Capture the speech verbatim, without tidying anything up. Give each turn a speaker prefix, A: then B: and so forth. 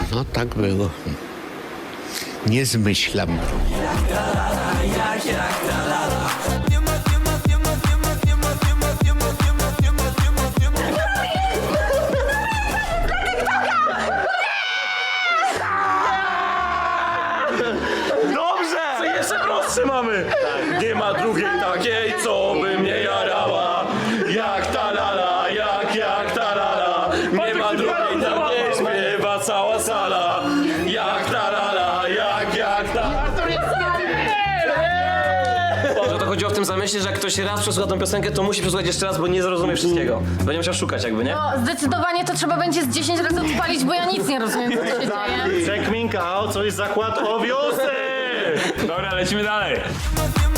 A: no tak było. Nie zmyślam.
B: Dobrze! Co jeszcze prostsze mamy! Tak. Nie ma drugiej takiej, co by mnie jarała. Jak ta lala, jak, jak ta lala. Nie ma drugiej takiej, śpiewa cała sala. Jak ta lala, jak, jak ta...
C: Że to chodziło w tym zamyśle, że jak ktoś raz przesłucha tą piosenkę, to musi przesłuchać jeszcze raz, bo nie zrozumie wszystkiego. Będzie musiał szukać jakby, nie?
D: No, zdecydowanie to trzeba będzie z dziesięć razy odpalić, bo ja nic nie rozumiem, co się dzieje.
B: Czek Minka, o, co jest zakład o wiosce!
E: Dobra, lecimy dalej.